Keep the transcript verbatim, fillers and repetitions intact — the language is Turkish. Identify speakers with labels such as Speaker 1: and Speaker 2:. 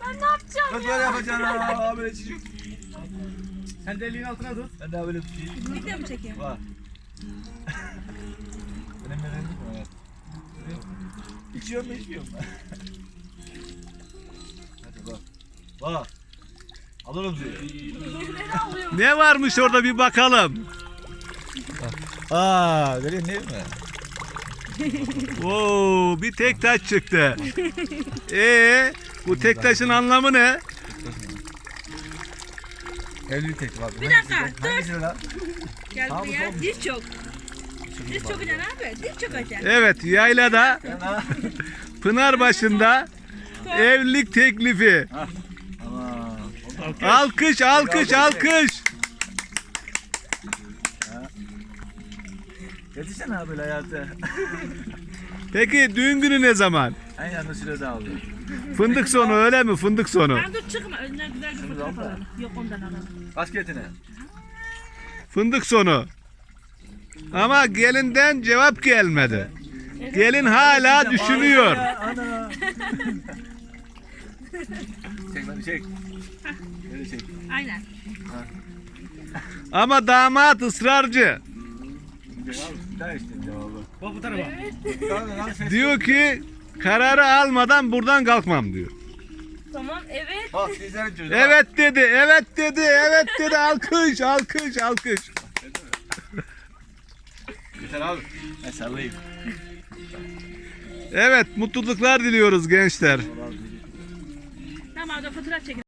Speaker 1: Ben ne yapacağım
Speaker 2: Kız
Speaker 1: ya?
Speaker 2: böyle yapacaksın ha böyle çocuk.
Speaker 3: Sen de elini altına tut.
Speaker 2: Ben daha böyle tutayım.
Speaker 1: Video mu çekeyim?
Speaker 2: Var. Benim neden mi? Evet. İçiyor mu içmiyor mu? Hadi bak. Bak. Alırım seni.
Speaker 4: Ne varmış orada bir bakalım.
Speaker 2: Aa, görüyorsun değil mi?
Speaker 4: Oo, bir tek taş çıktı. Ee, bu tek taşın anlamı ne?
Speaker 2: Evli tek var.
Speaker 1: Bir dakika, dur.
Speaker 2: Hangisi lan?
Speaker 1: Gel
Speaker 2: Sağ mı,
Speaker 1: buraya.
Speaker 2: sol mu?
Speaker 1: Diz çok. Diz çok önemli abi. Diz çok önemli.
Speaker 4: Evet, yaylada
Speaker 2: Sen ha?
Speaker 4: Pınarbaşı'nda evlilik teklifi.
Speaker 2: Aman.
Speaker 4: Alkış, alkış, alkış.
Speaker 2: Yetişsene abi böyle hayatı.
Speaker 4: Peki düğün günü ne zaman?
Speaker 2: En yanında sürede aldı.
Speaker 4: Fındık sonu öyle mi? Fındık sonu.
Speaker 1: Ben dur çıkma. Önden güzel bir fotoğraf
Speaker 2: abla.
Speaker 1: alalım. Yok ondan alalım.
Speaker 2: Basketine.
Speaker 4: Fındık sonu. Ama gelinden cevap gelmedi. Gelin hala düşünüyor.
Speaker 2: Ana. Çek lan çek. Böyle çek.
Speaker 1: Aynen.
Speaker 4: Ama damat ısrarcı.
Speaker 2: Cevap daha işte cevabı.
Speaker 3: Bak bu tarafa.
Speaker 2: Tamam lan ses.
Speaker 4: Diyor ki kararı almadan buradan kalkmam diyor.
Speaker 1: Tamam evet.
Speaker 2: Bak sizlerin çocuğu.
Speaker 4: Evet dedi, evet dedi, evet dedi. Alkış, alkış, alkış.
Speaker 2: Yeter abi. Ben sallayayım.
Speaker 4: Evet, mutluluklar diliyoruz gençler.
Speaker 1: Tamam da fotoğraf çekin.